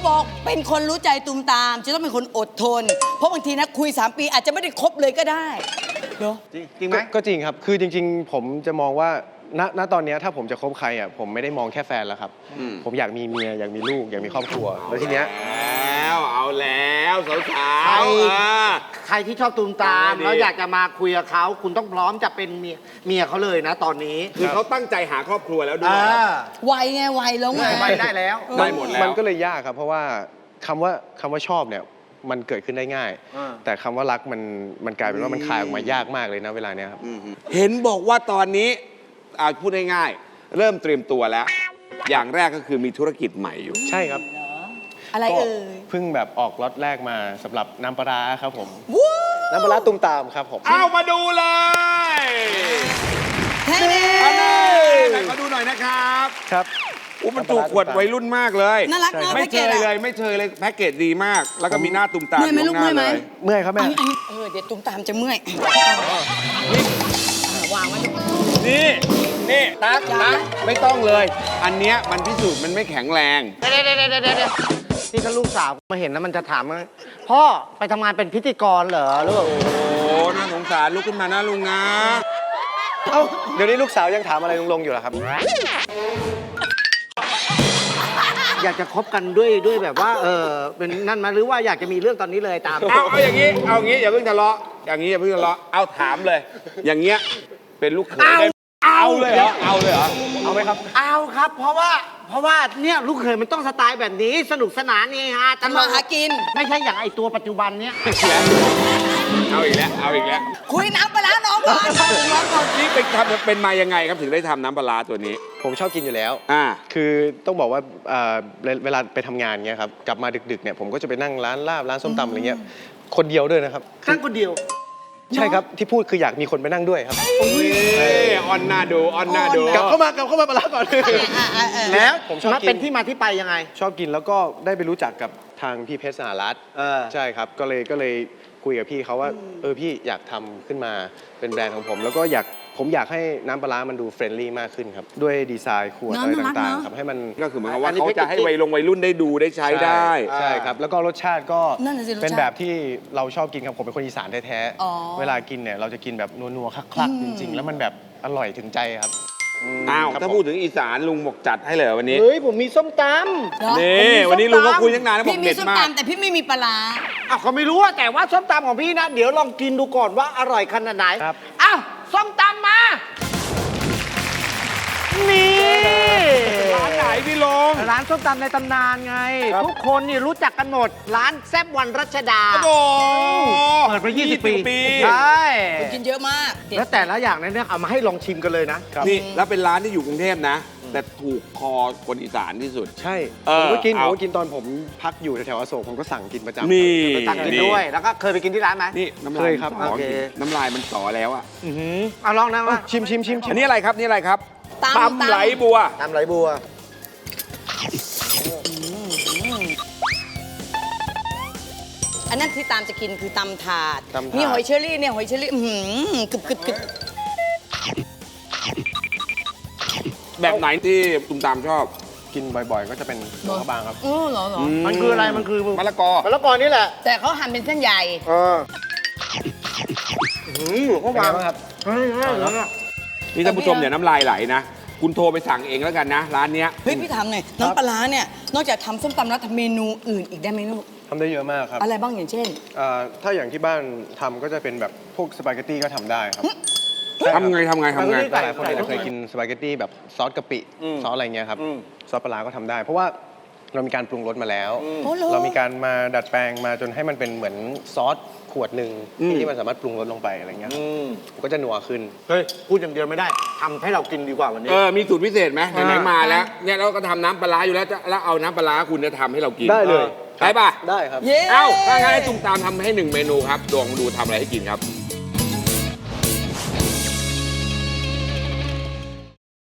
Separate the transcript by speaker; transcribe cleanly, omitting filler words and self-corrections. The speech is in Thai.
Speaker 1: บอกเป็นคนรู้ใจตูมตามจะต้องเป็นคนอดทนเพราะบางทีนะคุย3 ปีอาจจะไม่ได้คบเลยก็ได้เนาะ
Speaker 2: จริงไหม
Speaker 3: ก็จริงครับคือจริงๆผมจะมองว่าณตอนนี้ถ้าผมจะคบใครอ่ะผมไม่ได้มองแค่แฟนแล้วครับผมอยากมีเมียอยากมีลูกอยากมีครอบครัวแล้วทีเนี้ย
Speaker 4: เอาแล้วสาว
Speaker 2: ใครที่ชอบตูมตามแล้วอยากจะมาคุยกับเขาคุณต้องพร้อมจะเป็นเมียเขาเลยนะตอนนี้
Speaker 4: คือเขาตั้งใจหาครอบครัวแล้วด้วย
Speaker 1: วัยไงวัยแล้วไง
Speaker 2: วัยได้แล้ว
Speaker 4: ได้หมดแล้ว
Speaker 3: มันก็เลยยากครับเพราะว่าคำว่าชอบเนี่ยมันเกิดขึ้นได้ง่ายแต่คำว่ารักมันกลายเป็นว่ามันคายออกมายากมากเลยนะเวลาเนี้ยครับ
Speaker 4: เห็นบอกว่าตอนนี้พูดง่ายๆเริ่มเตรียมตัวแล้ว อย่างแรกก็คือมีธุรกิจใหม่อยู่
Speaker 3: ใช่ครับ
Speaker 1: อะไรเอ่ย
Speaker 3: เพิ่งแบบออกล็อตแรกมาสำหรับน้ำปลาร้าครับผมน้ำปลาร้าตุ้มตามครับผม
Speaker 4: เอามาดูเลยมาดูหน่อยนะครับ
Speaker 3: ครับ
Speaker 4: มันถูกขวดวัยรุ่นมากเลย
Speaker 1: น่ารักเนาะ
Speaker 4: ไม่เชยเลยไม่เชยเลยแพ็กเกจดีมากแล้วก็มีหน้าตุ้มตาม
Speaker 1: เมื่อยไหมลูกเมื่อยไหม
Speaker 3: เมื่อยครับแม่
Speaker 1: เดี๋ยวตุ้มตามจะเมื่อย
Speaker 4: วางไว้นี่ตั๊กไม่ต้องเลยอันเนี้ยมันพิสูจน์มันไม่แข็งแรง
Speaker 2: เดี๋ยวที่ถ้าลูกสาวมาเห็นแล้วมันจะถามว่าพ่อไปทำงานเป็นพิธีกรเหรอลูก
Speaker 4: โอ้น่าสงสารลุกขึ้นมานะลุงนะ
Speaker 3: เดี๋ยวนี้ลูกสาวยังถามอะไรลุงอยู่เหรอครับ
Speaker 2: อยากจะคบกันด้วยแบบว่าเป็นนั่นมาหรือว่าอยากจะมีเรื่องตอนนี้เลยตาม
Speaker 4: เอาอย่างนี้อย่าเพิ่งทะเลาะอย่างนี้อย่าเพิ่งทะเลาะเอาถามเลย อย่างเงี้ยเป็นลูกเขยได้เอาเลยเหรอเอาไหมครับ
Speaker 2: เอาครับเพราะว่าเนี่ยลูกเขยมันต้องสไตล์แบบนี้สนุกสนานนี่ฮะ
Speaker 1: ทำมาหากิน
Speaker 2: ไม่ใช่อย่างไอตัวปัจจุบันเนี้ย
Speaker 4: เอาอีกแล้ว
Speaker 1: คุยน้ำปลาน้องก่อน
Speaker 4: นี่เป็นมายังไงครับถึงได้ทำน้ำปลาตัวนี้
Speaker 3: ผมชอบกินอยู่แล้วคือต้องบอกว่าเวลาไปทำงานเงี้ยครับกลับมาดึกๆเนี่ยผมก็จะไปนั่งร้านลาบร้านส้มตำอะไรเงี้ยคนเดียวด้วยนะครับ
Speaker 2: นั่งคนเดียว
Speaker 3: ใช่ครับที่พูดคืออยากมีคนไปนั่งด้วยครับ
Speaker 4: ออนน่าดู
Speaker 3: กลับเข้ามาปลาก่อน
Speaker 2: แล้วผมชอบกินเป็นที่มาที่ไปยังไง
Speaker 3: ชอบกินแล้วก็ได้ไปรู้จักกับทางพี่เพชรสหรัฐใช่ครับก็เลยคุยกับพี่เขาว่าพี่อยากทำขึ้นมาเป็นแบรนด์ของผมแล้วก็ผมอยากให้น้ำปลาร้ามันดูเฟรนลี่มากขึ้นครับด้วยดีไซน์ขวดอะไรต่างๆครับให้มัน
Speaker 4: ก็คือเหมือนกับว่าเขาจะให้วัยรุ่นได้ดูได้ใช้ได้
Speaker 3: ใช่ครับแล้วก็รสชาติก็เป็นแบบที่เราชอบกินครับผมเป็นคนอีสานแท้ๆเวลากินเนี่ยเราจะกินแบบนัวๆคลักๆจริงๆแล้วมันแบบอร่อยถึงใจครับ
Speaker 4: ถ้าพูดถึงอีสานลุงบอกจัดให้เลยวันนี้
Speaker 2: เฮ้ยผมมีส้มต
Speaker 4: ำนี่วันนี้ลุงก็คุยตั้งนานแล้วบอกเด็ดมาก
Speaker 1: พี่มีส้มตำแต่พี่ไม่มีปลา
Speaker 2: เขาไม่รู้แต่ว่าส้มตำของพี่นะเดี๋ยวลองกินดูก่อนว่าอร่อยขนาดไหนอ้าวส้มตำมานี่
Speaker 4: ร้านไหนพี่ลง
Speaker 2: ร้านส้มตำในตำนานไงทุกคนนี่รู้จักกันหมดร้านแซ่บวันรัชดา
Speaker 4: โอ้
Speaker 2: เปิดมา20 ปี
Speaker 4: ใ
Speaker 2: ช่
Speaker 1: กินเยอะมาก
Speaker 2: แล้วแต่ละอย่างเนี่ยเอามาให้ลองชิมกันเลยนะ
Speaker 4: นี่แล้วเป็นร้านที่อยู่กรุงเทพนะแต่ถูกคอคนอีสานที่สุด
Speaker 3: ใช่ผมก็กินตอนผมพักอยู่แถวอโศกผมก็สั่งกินประจำ
Speaker 4: นี่
Speaker 2: สั่งกินด้วยแล้วก็เคยไปกินที่ร้านไหม
Speaker 4: นี่น้ำลายครับน้ำลายมันต่อแล้วอ่ะ
Speaker 2: เอาลองนะว่า
Speaker 3: ชิม
Speaker 4: อันนี้อะไรครับนี่อะไรครับตำไหลบัว
Speaker 1: อันนั้นที่ตามจะกินคือตำถาดมีหอยเชอรี่เนี่ยหอยเชอรี่กึบ
Speaker 4: แบบไหนที่ตุ้มตามชอบ
Speaker 3: กินบ่อยๆก็จะเป็นหลวงพระบางครับ
Speaker 1: เหรอ
Speaker 2: มันคืออะไรมันคือ
Speaker 4: มะละกอ
Speaker 2: นี่แหละ
Speaker 1: แต่เขาหั่นเป็นเส้นใหญ่
Speaker 2: หลวงพระบางครับ
Speaker 4: นี่ท่านผู้ชมเนี่ยน้ำลายไหลนะคุณโทรไปสั่งเองแล้วกันนะร้านเนี้ย
Speaker 1: เฮ้ยพี่ถามหน่อยน้ำปลาเนี่ยนอกจากทำส้มตำแล้วทำเมนูอื่นอีกได้ไหมลูก
Speaker 3: ทำได้เยอะมากครับ
Speaker 1: อะไรบ้างอย่างเช่น
Speaker 3: ถ้าอย่างที่บ้านทำก็จะเป็นแบบพวกสปาเกตตี้ก็ทำได้ครับ
Speaker 4: ทำไงหลายคน
Speaker 3: เคยกินสปาเกตตี้แบบซอสกะปิซอสอะไรเงี้ยครับซอสปลาก็ทำได้เพราะว่าเรามีการปรุงรสมาแล้วเรามีการมาดัดแปลงมาจนให้มันเป็นเหมือนซอสขวดหนึ่งที่มันสามารถปรุงรสลงไปอะไรเงี้ยก็จะนัวขึ้น
Speaker 2: เฮ้ยพูดอย่างเดียวไม่ได้ทำให้เรากินดีกว่าวันนี้
Speaker 4: มีสูตรพิเศษไหมไหนมาแล้วเนี่ยเราก็ทำน้ำปลาอยู่แล้วเอาน้ำปลาคุณจะทำให้เรากิน
Speaker 3: ได้เลย
Speaker 4: ได้ป่ะ
Speaker 3: ได้ครับ
Speaker 4: ถ้างั้นให้ตุ้มตามทำให้1 เมนูครับลองดูทำอะไรให้กินครับ